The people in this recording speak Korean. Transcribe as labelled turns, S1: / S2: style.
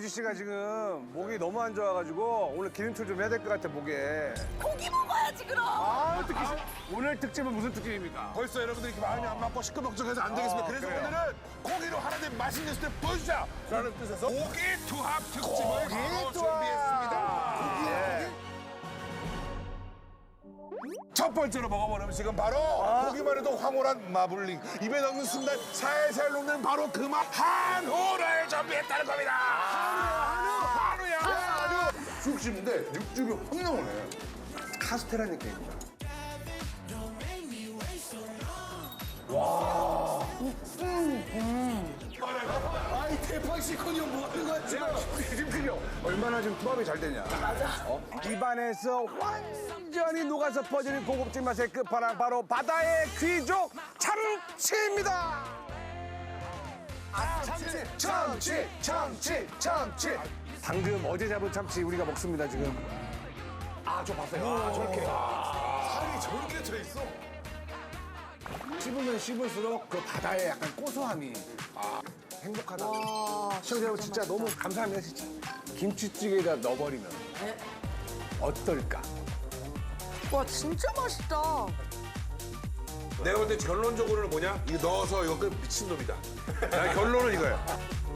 S1: 유지 씨가 지금 목이 너무 안 좋아가지고 오늘 기름칠 좀 해야 될 것 같아 목에.
S2: 고기 먹어야지 그럼.
S1: 아 특히 오늘 특집은 무슨 특집입니까?
S3: 벌써 여러분들이 이렇게 마음이 안 맞고 시끌벅적해서 안 되겠습니다. 그래서
S1: 그래요.
S3: 오늘은 고기로 하나님 맛있는 스텝 보여주자라는 뜻에서 고기 투합 특집을 바로 준비했습니다.
S1: 예.
S3: 첫 번째로 먹어볼 음식은 바로 보기만 해도 황홀한 마블링. 입에 넣는 순간 살살 녹는 바로 그 맛 한우를 준비했다는 겁니다. 한우야. 쑥 씹는데 육즙이 확 나오네. 카스테라 느낌입니다.
S1: 아이 대판 시커니 뭐 하는 거야 지금? 지금 얼마나 지금 투합이 잘 되냐? 맞아. 입안에서 완전히 녹아서 퍼지는 고급진 맛의 끝판왕 바로 바다의 귀족 참치입니다. 참치. 방금 어제 잡은 참치 우리가 먹습니다 지금. 아 저 봤어요. 저렇게.
S3: 살이 저렇게 들어있어.
S1: 씹으면 씹을수록 그 바다의 약간 고소함이 행복하다. 시청자 여러분 진짜 너무 감사합니다 진짜. 김치찌개에다 넣어버리면 어떨까?
S2: 와 진짜 맛있다.
S3: 내가 볼 때 결론적으로는 뭐냐? 이거 넣어서 이거 끝 미친놈이다. 나 결론은 이거야.